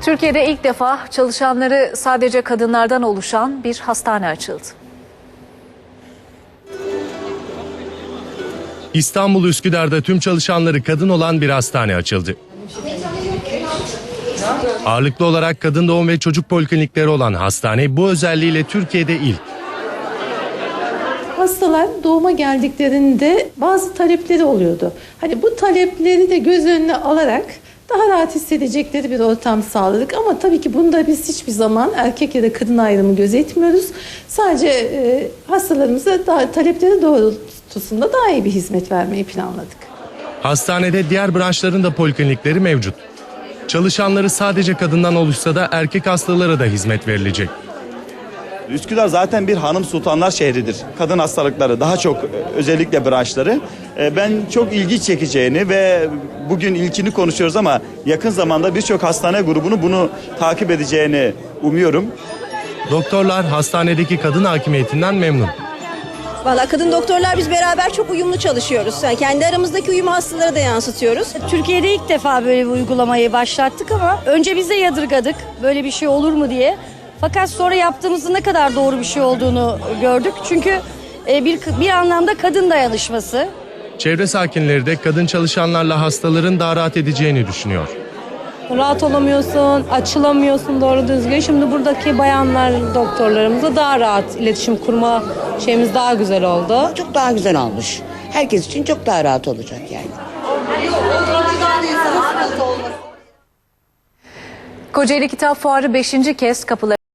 Türkiye'de ilk defa çalışanları sadece kadınlardan oluşan bir hastane açıldı. İstanbul Üsküdar'da tüm çalışanları kadın olan bir hastane açıldı. Ağırlıklı olarak kadın doğum ve çocuk poliklinikleri olan hastane bu özelliğiyle Türkiye'de ilk. Hastalar doğuma geldiklerinde bazı talepleri oluyordu. Hani bu talepleri de göz önüne alarak daha rahat hissedecekleri bir ortam sağladık. Ama tabii ki bunda biz hiçbir zaman erkek ya da kadın ayrımı gözetmiyoruz. Sadece hastalarımıza talepleri doğrultusunda daha iyi bir hizmet vermeyi planladık. Hastanede diğer branşların da poliklinikleri mevcut. Çalışanları sadece kadından oluşsa da erkek hastalara da hizmet verilecek. Üsküdar zaten bir hanım sultanlar şehridir. Kadın hastalıkları daha çok özellikle branşları. Ben çok ilgi çekeceğini ve bugün ilkini konuşuyoruz ama yakın zamanda birçok hastane grubunu bunu takip edeceğini umuyorum. Doktorlar hastanedeki kadın hakimiyetinden memnun. Valla kadın doktorlar biz beraber çok uyumlu çalışıyoruz. Yani kendi aramızdaki uyumu hastalara da yansıtıyoruz. Türkiye'de ilk defa böyle bir uygulamayı başlattık ama önce biz de yadırgadık böyle bir şey olur mu diye. Fakat sonra yaptığımızda ne kadar doğru bir şey olduğunu gördük. Çünkü bir anlamda kadın dayanışması. Çevre sakinleri de kadın çalışanlarla hastaların daha rahat edeceğini düşünüyor. Rahat olamıyorsun, açılamıyorsun doğru düzgün. Şimdi buradaki bayanlar doktorlarımızla daha rahat iletişim kurma şeyimiz daha güzel oldu. Çok daha güzel olmuş. Herkes için çok daha rahat olacak yani. Kocaeli Kitap Fuarı 5. kez kapıları